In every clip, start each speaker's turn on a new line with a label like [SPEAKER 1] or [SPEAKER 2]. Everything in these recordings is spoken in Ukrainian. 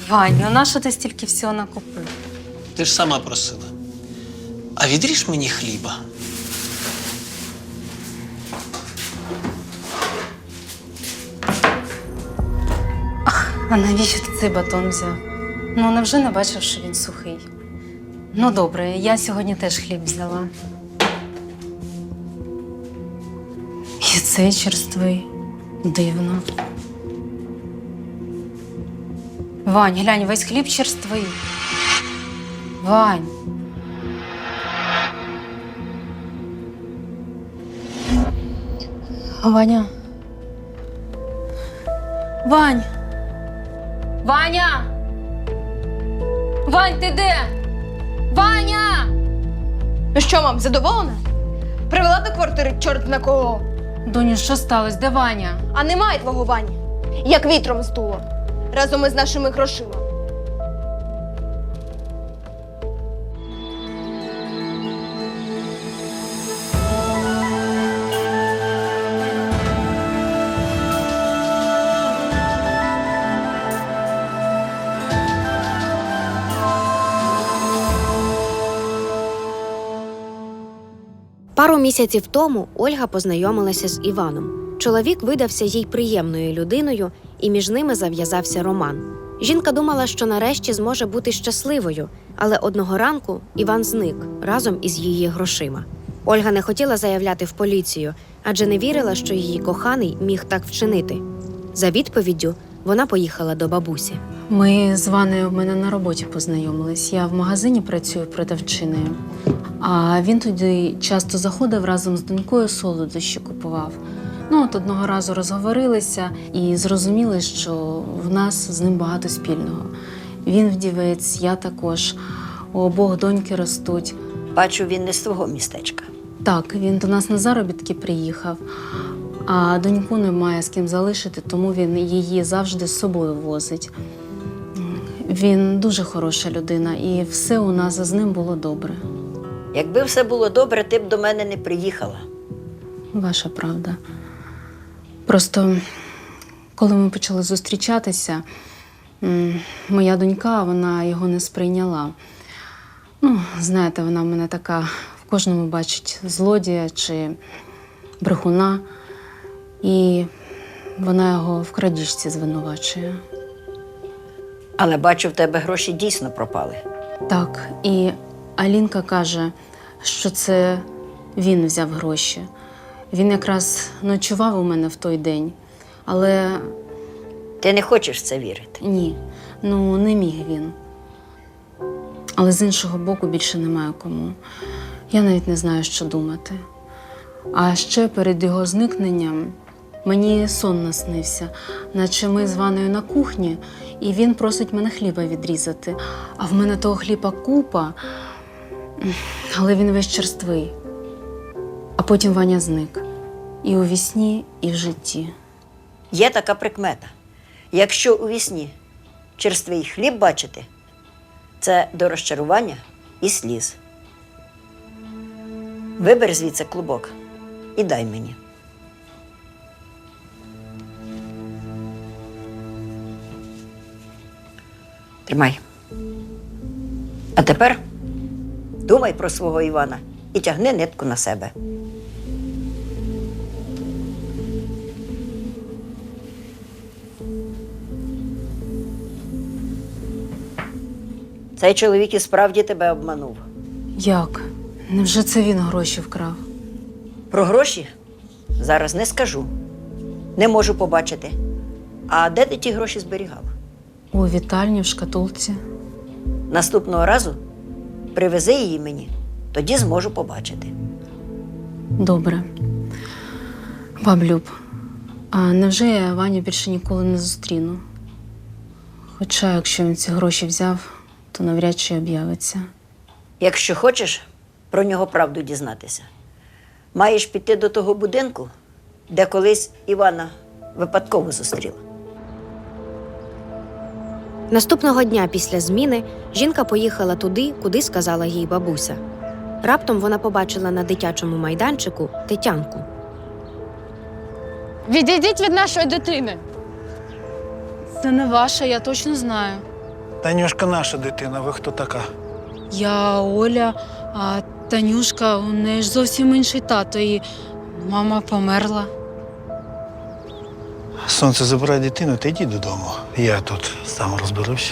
[SPEAKER 1] Вань, ну нащо ти стільки всього накупив?
[SPEAKER 2] Ти ж сама просила. А відріж мені хліба.
[SPEAKER 1] А навіщо ти цей батон взяв? Ну, невже не бачив, що він сухий? Ну, добре, я сьогодні теж хліб взяла. І цей черствий. Дивно. Вань, глянь, весь хліб черствий. Вань. Ваня. Вань. Ваня! Вань, ти де? Ваня!
[SPEAKER 3] Ну що, мам, задоволена? Привела до квартири чорт на кого.
[SPEAKER 1] Доню, що сталося? Де Ваня?
[SPEAKER 3] А немає твого Вані. Як вітром здуло. Разом із нашими грошима.
[SPEAKER 4] Пару місяців тому Ольга познайомилася з Іваном. Чоловік видався їй приємною людиною, і між ними зав'язався роман. Жінка думала, що нарешті зможе бути щасливою, але одного ранку Іван зник разом із її грошима. Ольга не хотіла заявляти в поліцію, адже не вірила, що її коханий міг так вчинити. За відповіддю вона поїхала до бабусі.
[SPEAKER 1] Ми з Ванею в мене на роботі познайомились. Я в магазині працюю продавчиною. А він туди часто заходив разом з донькою, солодощі купував. Ну, от одного разу розговорилися і зрозуміли, що в нас з ним багато спільного. Він вдівець, я також. У обох доньки ростуть.
[SPEAKER 5] Бачу, він не з твого містечка.
[SPEAKER 1] Так, він до нас на заробітки приїхав, а доньку немає з ким залишити, тому він її завжди з собою возить. Він дуже хороша людина, і все у нас з ним було добре.
[SPEAKER 5] Якби все було добре, ти б до мене не приїхала.
[SPEAKER 1] Ваша правда. Просто, коли ми почали зустрічатися, моя донька, вона його не сприйняла. Ну, знаєте, вона в мене така, в кожному бачить злодія чи брехуна. І вона його в крадіжці звинувачує.
[SPEAKER 5] Але бачу, в тебе гроші дійсно пропали.
[SPEAKER 1] Так, і Алінка каже, що це він взяв гроші. Він якраз ночував у мене в той день, але
[SPEAKER 5] Ти не хочеш в це вірити.
[SPEAKER 1] ні, ну не міг він. Але з іншого боку більше немає кому. Я навіть не знаю, що думати. А ще перед його зникненням мені сон наснився, наче ми з Ванею на кухні, і він просить мене хліба відрізати. А в мене того хліба купа, але він весь черствий. А потім Ваня зник. І у вісні, і в житті.
[SPEAKER 5] Є така прикмета. Якщо у вісні черствий хліб бачити, це до розчарування і сліз. Вибери звідси клубок і дай мені. Тримай. А тепер думай про свого Івана і тягни нитку на себе. Цей чоловік і справді тебе обманув.
[SPEAKER 1] Як? Невже це він гроші вкрав?
[SPEAKER 5] Про гроші зараз не скажу. Не можу побачити. А де ти ті гроші зберігав?
[SPEAKER 1] У вітальні, в шкатулці.
[SPEAKER 5] Наступного разу привези її мені, тоді зможу побачити.
[SPEAKER 1] Добре. Баблюб, а невже я Ваню більше ніколи не зустріну? Хоча, якщо він ці гроші взяв, то навряд чи об'явиться.
[SPEAKER 5] Якщо хочеш про нього правду дізнатися, маєш піти до того будинку, де колись Івана випадково зустріла.
[SPEAKER 4] Наступного дня після зміни жінка поїхала туди, куди сказала їй бабуся. Раптом вона побачила на дитячому майданчику Тетянку.
[SPEAKER 3] Відійдіть від нашої дитини.
[SPEAKER 1] Це не ваша, я точно знаю.
[SPEAKER 6] Танюшка наша дитина, ви хто така?
[SPEAKER 1] Я Оля, а Танюшка, у неї ж зовсім інший тато, і мама померла.
[SPEAKER 6] Сонце, забирай дитину та йди додому. Я тут сам розберусь.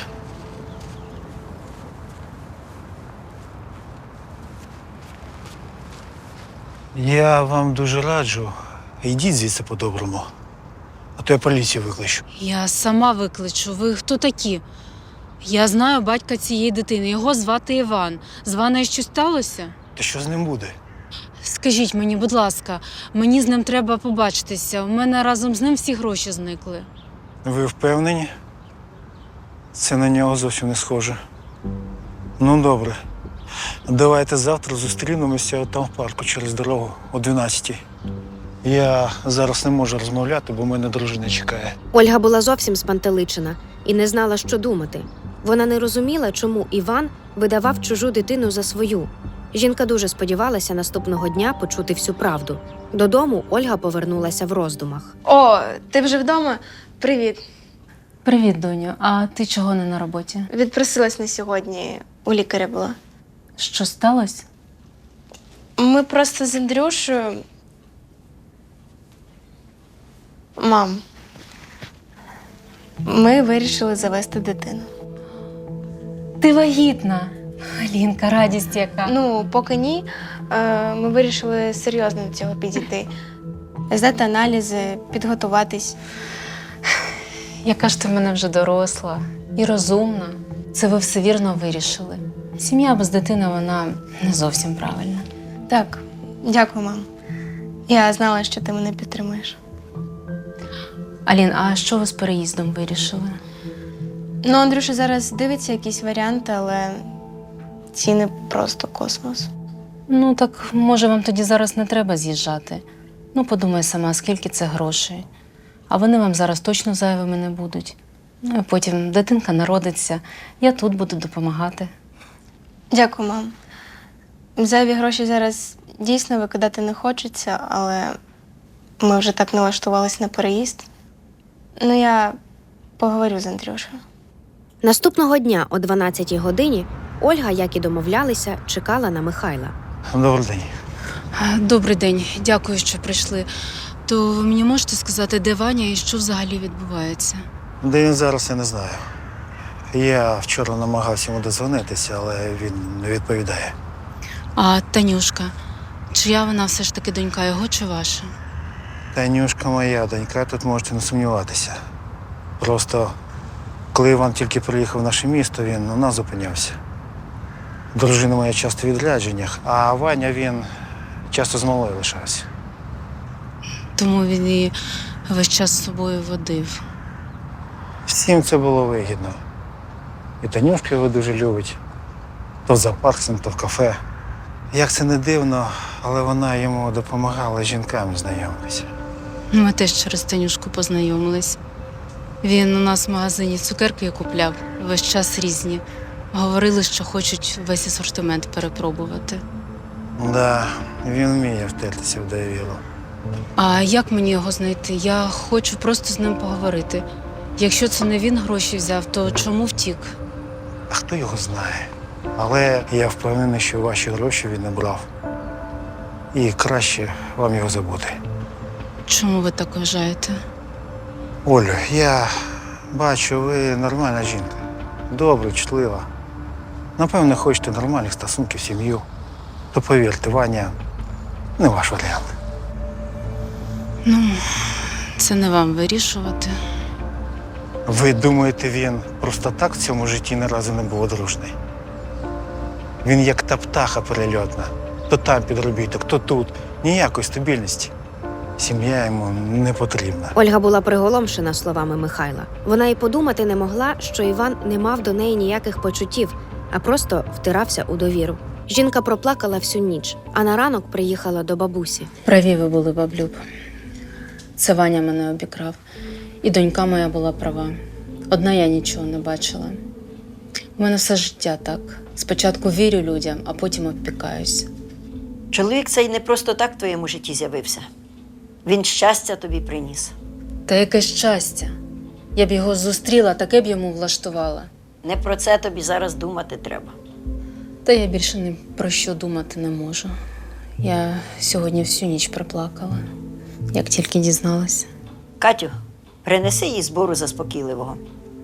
[SPEAKER 6] Я вам дуже раджу, йдіть звідси по-доброму, а то я поліцію викличу.
[SPEAKER 1] Я сама викличу. Ви хто такі? Я знаю батька цієї дитини. Його звати Іван. З Ваною щось сталося?
[SPEAKER 6] Та що з ним буде?
[SPEAKER 1] Скажіть мені, будь ласка, мені з ним треба побачитися. У мене разом з ним всі гроші зникли.
[SPEAKER 6] Ви впевнені? Це на нього зовсім не схоже. Ну, добре. Давайте завтра зустрінемося там в парку через дорогу о 12-й. Я зараз не можу розмовляти, бо мене дружина чекає.
[SPEAKER 4] Ольга була зовсім спантеличена і не знала, що думати. Вона не розуміла, чому Іван видавав чужу дитину за свою. Жінка дуже сподівалася наступного дня почути всю правду. Додому Ольга повернулася в роздумах.
[SPEAKER 3] О, ти вже вдома? Привіт.
[SPEAKER 1] Привіт, доню. А ти чого не на роботі?
[SPEAKER 3] Відпросилась на сьогодні. У лікаря була.
[SPEAKER 1] Що сталося?
[SPEAKER 3] Ми просто з Андрюшею. Мам. Ми вирішили завести дитину.
[SPEAKER 1] Ти вагітна. Алінка, радість яка.
[SPEAKER 3] Ну, поки ні. Ми вирішили серйозно до цього підійти. Здати аналізи, підготуватись.
[SPEAKER 1] Яка ж ти в мене вже доросла і розумна. Це ви все вірно вирішили. Сім'я без дитини, вона не зовсім правильна.
[SPEAKER 3] Так, дякую, мам. Я знала, що ти мене підтримуєш.
[SPEAKER 1] Алін, а що ви з переїздом вирішили?
[SPEAKER 3] Ну, Андрюша зараз дивиться якісь варіанти, але ціни просто космос.
[SPEAKER 1] Ну, так, може, вам тоді зараз не треба з'їжджати. Ну, подумай сама, скільки це грошей. А вони вам зараз точно зайвими не будуть. Ну, і потім дитинка народиться, я тут буду допомагати.
[SPEAKER 3] Дякую, мам. Зайві гроші зараз дійсно викидати не хочеться, але ми вже так налаштувалися на переїзд. Ну, я поговорю з Андрюшею.
[SPEAKER 4] Наступного дня о 12-й годині Ольга, як і домовлялися, чекала на Михайла.
[SPEAKER 6] Добрий день.
[SPEAKER 1] Добрий день, дякую, що прийшли. То ви мені можете сказати, де Ваня і що взагалі відбувається?
[SPEAKER 6] Де він зараз, я не знаю. Я вчора намагався йому дозвонитися, але він не відповідає.
[SPEAKER 1] А Танюшка, чия вона все ж таки донька, його чи ваша?
[SPEAKER 6] Танюшка моя донька, тут можете не сумніватися. Просто, коли Іван тільки приїхав в наше місто, він у нас зупинявся. Дружина моя часто в відрядженнях, а Ваня, він часто з малою лишався.
[SPEAKER 1] Тому він її весь час з собою водив.
[SPEAKER 6] Всім це було вигідно. І Танюшка його дуже любить. То в зоопарк, то в кафе. Як це не дивно, але вона йому допомагала з жінками знайомитися.
[SPEAKER 1] Ми теж через Танюшку познайомились. Він у нас в магазині цукерки купляв, весь час різні. Говорили, що хочуть весь асортимент перепробувати.
[SPEAKER 6] Да, він вміє втертися в довіру.
[SPEAKER 1] А як мені його знайти? Я хочу просто з ним поговорити. Якщо це не він гроші взяв, то чому втік?
[SPEAKER 6] А хто його знає? Але я впевнений, що ваші гроші він не брав. І краще вам його забути.
[SPEAKER 1] Чому ви так вважаєте?
[SPEAKER 6] Олю, я бачу, ви нормальна жінка. Добра, чутлива. Напевно, хочете нормальних стосунків, сім'ю. То повірте, Ваня не ваш варіант.
[SPEAKER 1] Ну, це не вам вирішувати.
[SPEAKER 6] Ви думаєте, він просто так в цьому житті ні разу не був одружний? Він як та птаха перельотна. То там підробіток, то тут. Ніякої стабільності. Сім'я йому не потрібна.
[SPEAKER 4] Ольга була приголомшена словами Михайла. Вона й подумати не могла, що Іван не мав до неї ніяких почуттів, а просто втирався у довіру. Жінка проплакала всю ніч, а на ранок приїхала до бабусі.
[SPEAKER 1] Праві ви були, баблюб. Це Ваня мене обікрав. І донька моя була права. Одна я нічого не бачила. У мене все життя так. Спочатку вірю людям, а потім обпікаюсь.
[SPEAKER 5] Чоловік цей не просто так в твоєму житті з'явився. Він щастя тобі приніс.
[SPEAKER 1] Та яке щастя. Я б його зустріла, таке б йому влаштувала.
[SPEAKER 5] Не про це тобі зараз думати треба.
[SPEAKER 1] Та я більше ні про що думати не можу. Я сьогодні всю ніч проплакала, як тільки дізналася.
[SPEAKER 5] Катю, принеси їй збору заспокійливого.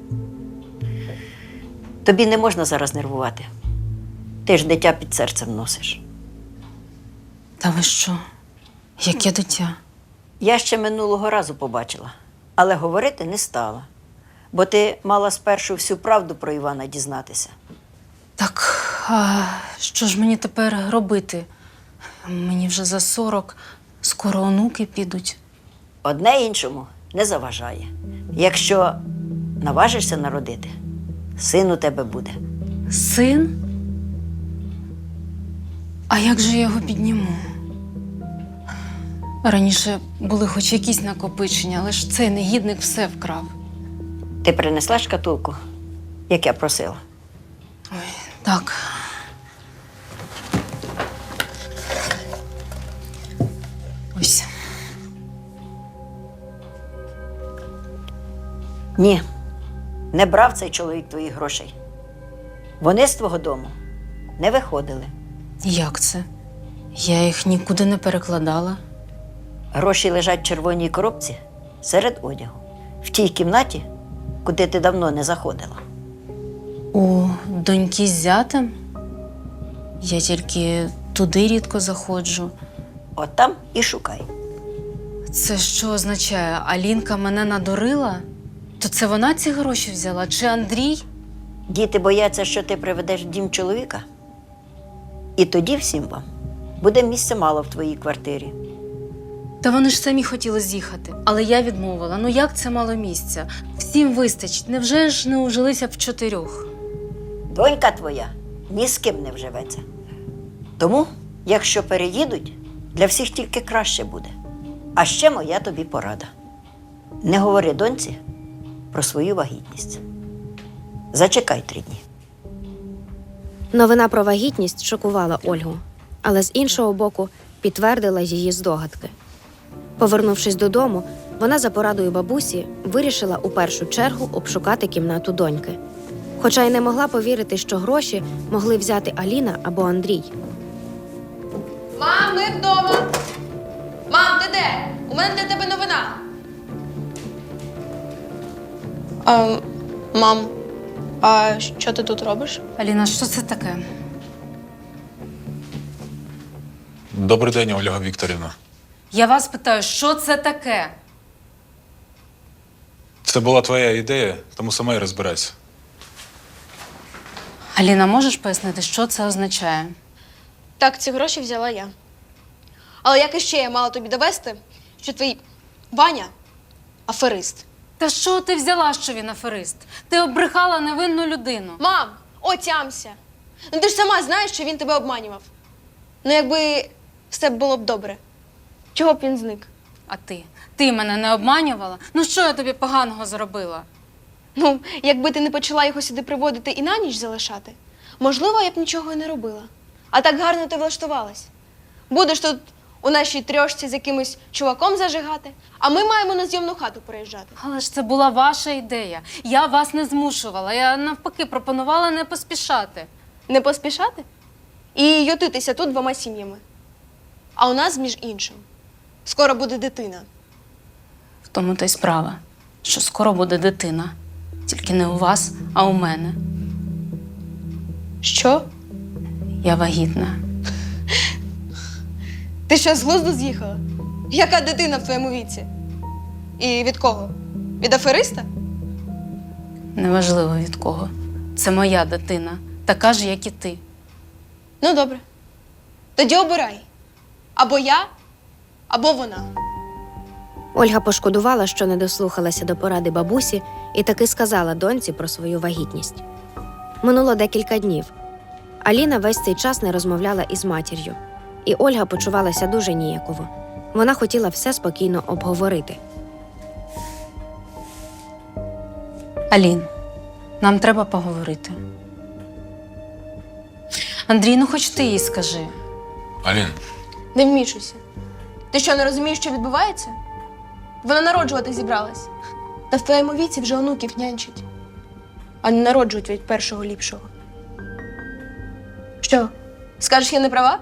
[SPEAKER 5] Тобі не можна зараз нервувати. Ти ж дитя під серцем носиш.
[SPEAKER 1] Та ви що? Яке дитя?
[SPEAKER 5] Я ще минулого разу побачила, але говорити не стала. Бо ти мала спершу всю правду про Івана дізнатися.
[SPEAKER 1] Так, а що ж мені тепер робити? Мені вже за 40, скоро онуки підуть.
[SPEAKER 5] Одне іншому не заважає. Якщо наважишся народити, син у тебе буде.
[SPEAKER 1] Син? А як же я його підніму? Раніше були хоч якісь накопичення, але ж цей негідник все вкрав.
[SPEAKER 5] Ти принесла шкатулку, як я просила?
[SPEAKER 1] Так. Ось.
[SPEAKER 5] Ні, не брав цей чоловік твоїх грошей. Вони з твого дому не виходили.
[SPEAKER 1] Як це? Я їх нікуди не перекладала.
[SPEAKER 5] Гроші лежать в червоній коробці серед одягу. В тій кімнаті, куди ти давно не заходила.
[SPEAKER 1] У доньки з зятем? Я тільки туди рідко заходжу.
[SPEAKER 5] От там і шукай.
[SPEAKER 1] Це що означає? Алінка мене надурила? То це вона ці гроші взяла? Чи Андрій?
[SPEAKER 5] Діти бояться, що ти приведеш в дім чоловіка. І тоді всім вам буде місця мало в твоїй квартирі.
[SPEAKER 1] Та вони ж самі хотіли з'їхати, але я відмовила. Ну як це мало місця? Всім вистачить. Невже ж не ужилися в 4?
[SPEAKER 5] Донька твоя ні з ким не вживеться. Тому, якщо переїдуть, для всіх тільки краще буде. А ще моя тобі порада. Не говори доньці про свою вагітність. Зачекай 3 дні.
[SPEAKER 4] Новина про вагітність шокувала Ольгу, але з іншого боку підтвердила її здогадки. Повернувшись додому, вона за порадою бабусі вирішила у першу чергу обшукати кімнату доньки. Хоча й не могла повірити, що гроші могли взяти Аліна або Андрій.
[SPEAKER 7] Мам, ми вдома. Мам, ти де? У мене для тебе новина.
[SPEAKER 3] Мам, а що ти тут робиш?
[SPEAKER 1] Аліна, що це таке?
[SPEAKER 8] Добрий день, Ольга Вікторівна.
[SPEAKER 1] Я вас питаю, що це таке?
[SPEAKER 8] Це була твоя ідея, тому сама й розбирайся.
[SPEAKER 1] Аліна, можеш пояснити, що це означає?
[SPEAKER 3] Так, ці гроші взяла я. Але як іще я мала тобі довести, що твій Ваня аферист?
[SPEAKER 1] Та що ти взяла, що він аферист? Ти обрехала невинну людину.
[SPEAKER 3] Мам, отямся! Ну ти ж сама знаєш, що він тебе обманював. Ну якби все було б добре. Чого б він зник?
[SPEAKER 1] А ти? Ти мене не обманювала? Ну що я тобі поганого зробила?
[SPEAKER 3] Ну, якби ти не почала його сюди приводити і на ніч залишати, можливо, я б нічого і не робила. А так гарно ти влаштувалась. Будеш тут у нашій трьошці з якимось чуваком зажигати, а ми маємо на зйомну хату переїжджати.
[SPEAKER 1] Але ж це була ваша ідея. Я вас не змушувала. Я навпаки пропонувала не поспішати.
[SPEAKER 3] Не поспішати? І ютитися тут 2 сім'ями. А у нас, між іншим, скоро буде дитина.
[SPEAKER 1] В тому та й справа, що скоро буде дитина. Тільки не у вас, а у мене.
[SPEAKER 3] Що?
[SPEAKER 1] Я вагітна.
[SPEAKER 3] Ти що, з глузду з'їхала? Яка дитина в твоєму віці? І від кого? Від афериста?
[SPEAKER 1] Неважливо від кого. Це моя дитина. Така ж, як і ти.
[SPEAKER 3] Ну, добре. Тоді обирай. Або я, або вона.
[SPEAKER 4] Ольга пошкодувала, що не дослухалася до поради бабусі і таки сказала доньці про свою вагітність. Минуло декілька днів. Аліна весь цей час не розмовляла із матір'ю. І Ольга почувалася дуже ніяково. Вона хотіла все спокійно обговорити.
[SPEAKER 1] Алін, нам треба поговорити. Андрій, ну хоч ти їй скажи.
[SPEAKER 8] Алін,
[SPEAKER 3] Не вмішуйся. Ти що, не розумієш, що відбувається? Вона народжувати зібралась. Та в твоєму віці вже онуків нянчить. а не народжують від першого ліпшого. Що, скажеш, я не права?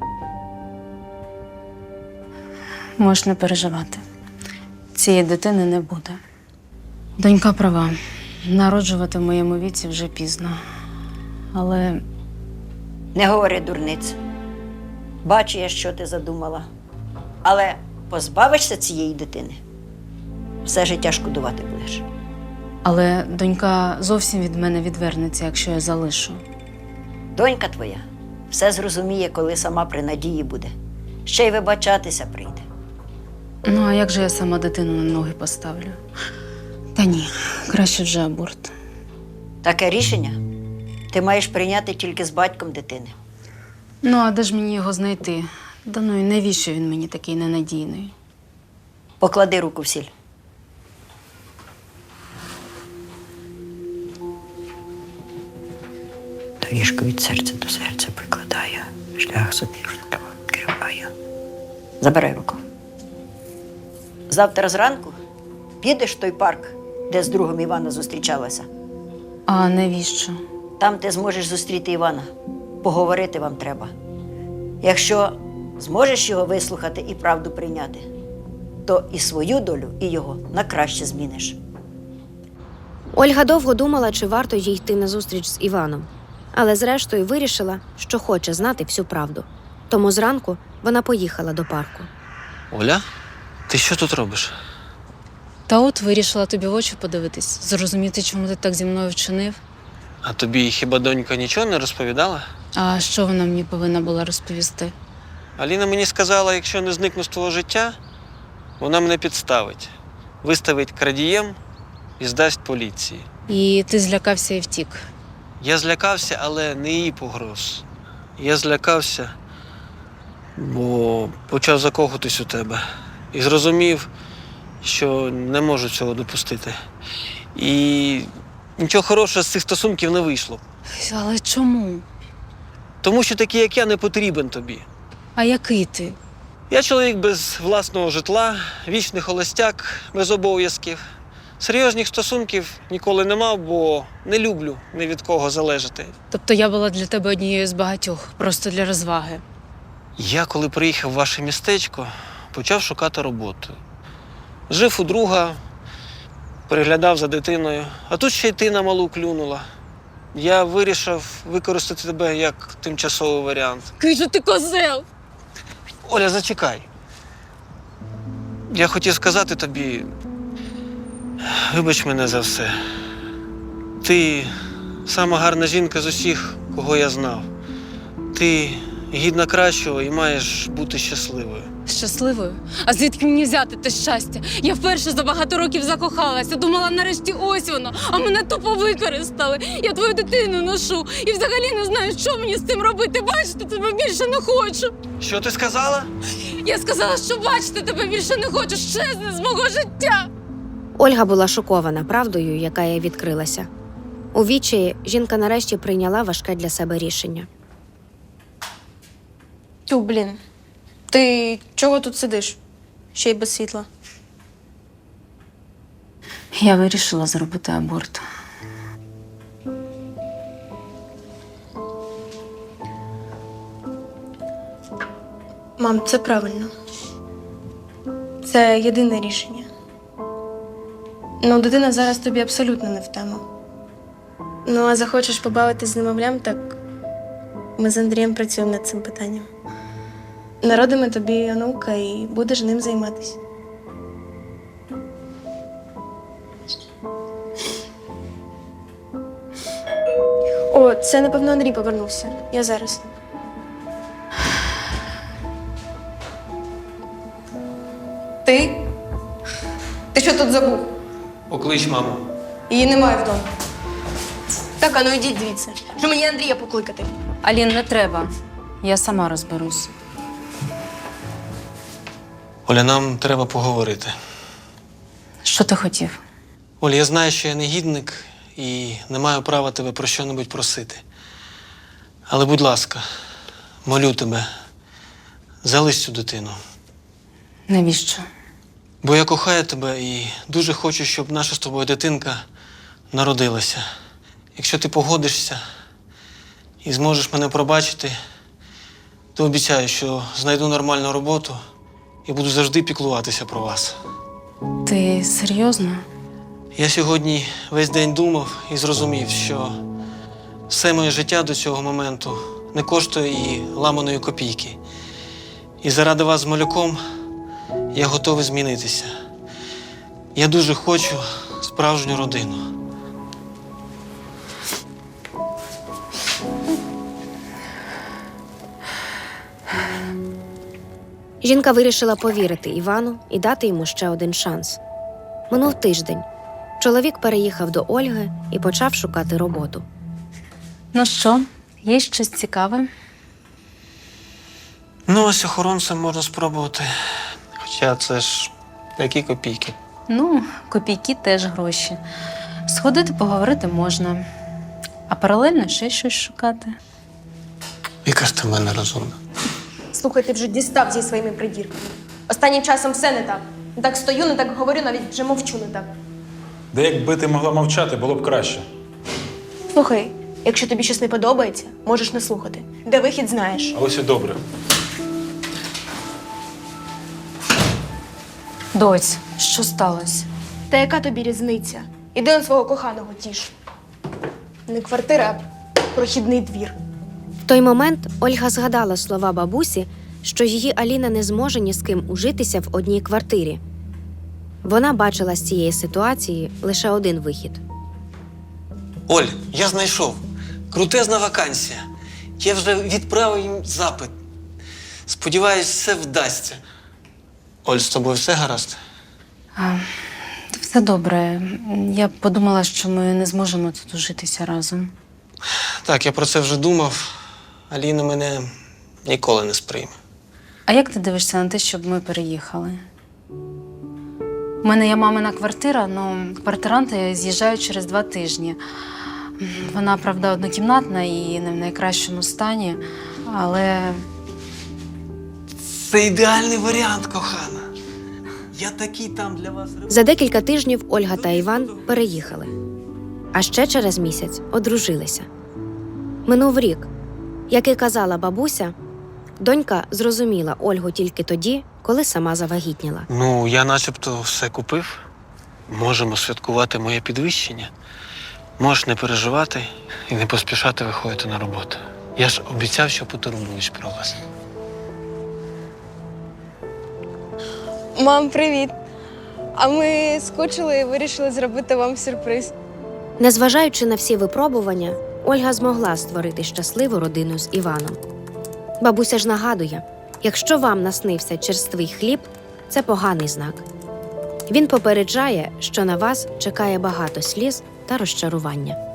[SPEAKER 1] Можеш не переживати. Цієї дитини не буде. Донька права. Народжувати в моєму віці вже пізно. Але
[SPEAKER 5] Не говори дурниць. Бачу я, що ти задумала. Але позбавишся цієї дитини, все життя шкодувати будеш.
[SPEAKER 1] донька зовсім від мене відвернеться, якщо я залишу.
[SPEAKER 5] Донька твоя все зрозуміє, коли сама при надії буде. Ще й вибачатися прийде.
[SPEAKER 1] Ну, а як же я сама дитину на ноги поставлю? Та ні, краще вже аборт.
[SPEAKER 5] Таке рішення ти маєш прийняти тільки з батьком дитини.
[SPEAKER 1] Ну, а де ж мені його знайти? Да ну і навіщо він мені такий ненадійний?
[SPEAKER 5] Поклади руку в сіль. Доріжку від серця до серця прикладаю, шлях собі відкриваю. Забирай руку. Завтра зранку підеш в той парк, де з другом Івана зустрічалася.
[SPEAKER 1] А навіщо?
[SPEAKER 5] Там ти зможеш зустріти Івана. Поговорити вам треба. Якщо зможеш його вислухати і правду прийняти, то і свою долю, і його на краще зміниш.
[SPEAKER 4] Ольга довго думала, чи варто їй йти на зустріч з Іваном. Але зрештою вирішила, що хоче знати всю правду. Тому зранку вона поїхала до парку.
[SPEAKER 2] Оля, ти що тут робиш?
[SPEAKER 1] Та от вирішила тобі в очі подивитись, зрозуміти, чому ти так зі мною вчинив.
[SPEAKER 2] А тобі хіба донька нічого не розповідала?
[SPEAKER 1] А що вона мені повинна була розповісти?
[SPEAKER 2] Аліна мені сказала, якщо не зникну з твого життя, вона мене підставить, виставить крадієм і здасть поліції.
[SPEAKER 1] І ти злякався і втік.
[SPEAKER 2] Я злякався, але не її погроз. Я злякався, бо почав закохатись у тебе. І зрозумів, що не можу цього допустити. І нічого хорошого з цих стосунків не вийшло.
[SPEAKER 1] Але чому?
[SPEAKER 2] Тому що такий, як я, не потрібен тобі.
[SPEAKER 1] А який ти?
[SPEAKER 2] Я чоловік без власного житла, вічний холостяк, без обов'язків. Серйозних стосунків ніколи не мав, бо не люблю ні від кого залежати.
[SPEAKER 1] Тобто я була для тебе однією з багатьох, просто для розваги.
[SPEAKER 2] Я, коли приїхав в ваше містечко, почав шукати роботу. Жив у друга, переглядав за дитиною, а тут ще й ти на малу клюнула. Я вирішив використати тебе як тимчасовий варіант.
[SPEAKER 1] Який же ти козел!
[SPEAKER 2] Оля, зачекай. Я хотів сказати тобі, вибач мене за все. Ти сама гарна жінка з усіх, кого я знав. Ти гідна кращого і маєш бути щасливою.
[SPEAKER 1] Щасливою? А звідки мені взяти те щастя? Я вперше за багато років закохалася, думала, нарешті ось воно, а мене тупо використали. Я твою дитину ношу і взагалі не знаю, що мені з цим робити. Бачити тебе більше не хочу.
[SPEAKER 2] Що ти сказала?
[SPEAKER 1] Я сказала, що бачити тебе більше не хочу. Щезни з мого життя.
[SPEAKER 4] Ольга була шокована правдою, яка їй відкрилася. У відчаї жінка нарешті прийняла важке для себе рішення.
[SPEAKER 3] Тю, блін. Ти чого тут сидиш? Ще й без світла.
[SPEAKER 1] Я вирішила зробити аборт.
[SPEAKER 3] Мам, це правильно. Це єдине рішення. Ну, дитина зараз тобі абсолютно не в тему. Ну, а захочеш побавитись з немовлям, так ми з Андрієм працюємо над цим питанням. Народимо тобі онука і будеш ним займатися. О, це, напевно, Андрій повернувся. Я зараз. Ти? Ти що тут забув?
[SPEAKER 2] Поклич маму.
[SPEAKER 3] Її немає вдома. Так, а ну йдіть звідси. Що мені Андрія покликати?
[SPEAKER 1] Алін, не треба. Я сама розберусь.
[SPEAKER 2] Оля, нам треба поговорити.
[SPEAKER 1] Що ти хотів?
[SPEAKER 2] Оля, я знаю, що я негідник і не маю права тебе про що-небудь просити. Але, будь ласка, молю тебе, залиш цю дитину.
[SPEAKER 1] Навіщо?
[SPEAKER 2] Бо я кохаю тебе і дуже хочу, щоб наша з тобою дитинка народилася. якщо ти погодишся і зможеш мене пробачити, то обіцяю, що знайду нормальну роботу і буду завжди піклуватися про вас.
[SPEAKER 1] Ти серйозно?
[SPEAKER 2] Я сьогодні весь день думав і зрозумів, що все моє життя до цього моменту не коштує і ламаної копійки. І заради вас з малюком я готовий змінитися. Я дуже хочу справжню родину.
[SPEAKER 4] Жінка вирішила повірити Івану і дати йому ще один шанс. Минув тиждень. Чоловік переїхав до Ольги і почав шукати роботу.
[SPEAKER 1] Ну що, є щось цікаве?
[SPEAKER 2] Ну, ось охоронцем можна спробувати. Хоча це ж які копійки.
[SPEAKER 1] Ну, копійки теж гроші. Сходити поговорити можна. А паралельно ще щось шукати.
[SPEAKER 2] Яка ж ти в мене розумна.
[SPEAKER 7] Слухай, ти вже дістав зі своїми придірками. Останнім часом все не так. Не так стою, не так говорю, навіть вже мовчу не так.
[SPEAKER 8] Де якби ти могла мовчати, було б краще.
[SPEAKER 3] Слухай, якщо тобі щось не подобається, можеш не слухати. Де вихід, знаєш.
[SPEAKER 8] А ось і добре.
[SPEAKER 1] Доць, що сталося?
[SPEAKER 3] Та яка тобі різниця? Іди на свого коханого тіш. Не квартира, а прохідний двір.
[SPEAKER 4] В той момент Ольга згадала слова бабусі, що її Аліна не зможе ні з ким ужитися в одній квартирі. Вона бачила з цієї ситуації лише один вихід.
[SPEAKER 2] Оль, я знайшов. Крутезна вакансія. Я вже відправив їм запит. Сподіваюсь, все вдасться. Оль, з тобою все гаразд?
[SPEAKER 1] Все добре. Я подумала, що ми не зможемо тут ужитися разом.
[SPEAKER 2] Так, я про це вже думав. Аліна мене ніколи не сприйме.
[SPEAKER 1] А як ти дивишся на те, щоб ми переїхали? У мене є мамина квартира, але квартиранти з'їжджають через 2 тижні. Вона, правда, однокімнатна і не в найкращому стані, але
[SPEAKER 2] Це ідеальний варіант, кохана. Я такий там для вас.
[SPEAKER 4] За декілька тижнів Ольга та Іван переїхали. А ще через місяць одружилися. Минув рік. Як і казала бабуся, донька зрозуміла Ольгу тільки тоді, коли сама завагітніла.
[SPEAKER 2] Ну, я начебто все купив. Можемо святкувати моє підвищення. Можеш не переживати і не поспішати виходити на роботу. Я ж обіцяв, що потурбуюсь про вас.
[SPEAKER 3] Мам, привіт. А ми скучили і вирішили зробити вам сюрприз.
[SPEAKER 4] Незважаючи на всі випробування, Ольга змогла створити щасливу родину з Іваном. Бабуся ж нагадує, якщо вам наснився черствий хліб, це поганий знак. Він попереджає, що на вас чекає багато сліз та розчарування.